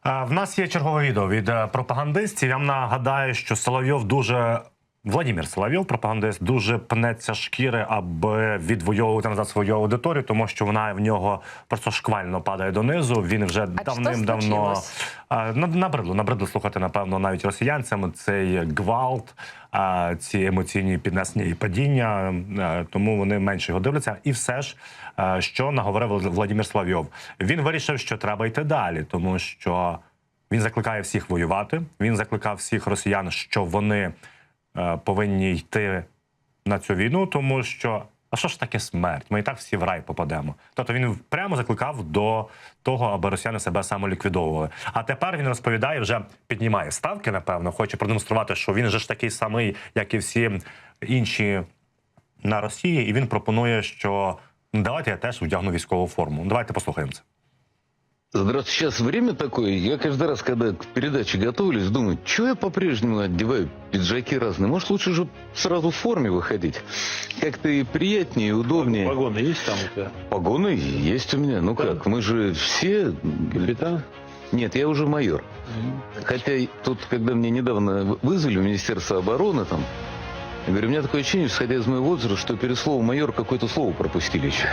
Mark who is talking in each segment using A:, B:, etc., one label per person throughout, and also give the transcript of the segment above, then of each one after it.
A: В нас є чергове відео від пропагандистів. Я вам нагадаю, що Владимир Соловйов, пропагандист, дуже пнеться шкіри, аби відвоювати назад свою аудиторію, тому що вона в нього просто шквально падає донизу. Він вже давним-давно набридло слухати, напевно, навіть росіянцям цей гвалт, ці емоційні піднесення і падіння, тому вони менше його дивляться. І все ж, що наговорив Владимир Соловйов? Він вирішив, що треба йти далі, тому що він закликає всіх воювати, він закликав всіх росіян, що вони повинні йти на цю війну, тому що, а що ж таке смерть? Ми і так всі в рай попадемо. Тобто він прямо закликав до того, аби росіяни себе самоліквідовували. А тепер він розповідає, вже піднімає ставки, напевно, хоче продемонструвати, що він же ж такий самий, як і всі інші на Росії, і він пропонує, що давайте я теж вдягну військову форму. Давайте послухаємо це.
B: Здравствуйте. Сейчас время такое. Я каждый раз, когда к передаче готовлюсь, думаю, что я по-прежнему одеваю пиджаки разные. Может, лучше же сразу в форме выходить? Как-то и приятнее, и удобнее.
C: Погоны есть там у тебя?
B: Погоны есть у меня. Ну как, мы же все...
C: Капитан?
B: Нет, я уже майор. Хотя тут, когда мне недавно вызвали в Министерство обороны, там, я говорю, у меня такое ощущение, исходя из моего возраста, что перед словом майор какое-то слово пропустили еще.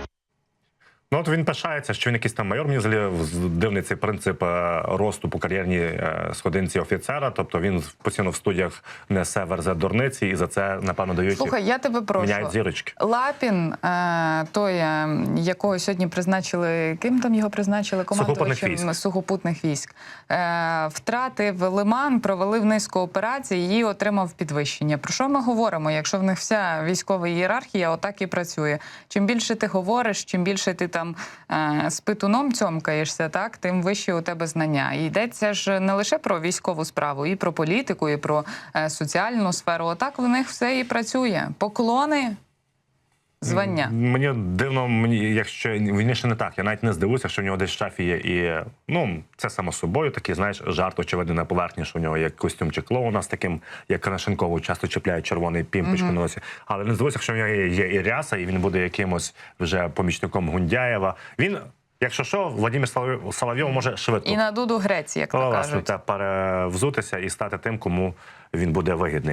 A: Ну, от він пишається, що він якийсь там майор. Мені взагалі дивний цей принцип росту по кар'єрній сходинці офіцера. Тобто він постійно в студіях несе верзе дурниці, і за це, напевно, дають,
D: Слухай, я тебе прошу.
A: міняють зірочки.
D: Лапін, той, якого сьогодні призначили, ким там його призначили? Командувачем сухопутних військ. Втратив Лиман, провалив низку операцій і отримав підвищення. Про що ми говоримо, якщо в них вся військова ієрархія отак і працює? Чим більше ти говориш, чим більше ти там з питуном цьомкаєшся, так, тим вищі у тебе знання. І йдеться ж не лише про військову справу, і про політику, і про соціальну сферу. Отак в них все і працює. Поклони, звання.
A: Мені дивно, якщо він ще не так, я навіть не здивуюся, що в нього десь в шафі є і, ну, це само собою, такий, знаєш, жарт, очевидно, на поверхні, що в нього є костюмчик клоуна з таким, як Крашенкову часто чіпляють червоний пімпочку на носі. Але не здивуюся, що в нього є і ряса, і він буде якимось вже помічником Гундяєва. Він, якщо що, Владимир Соловйов може швидко.
D: І на дуду Греції, як то кажуть.
A: Перевзутися і стати тим, кому він буде вигідний.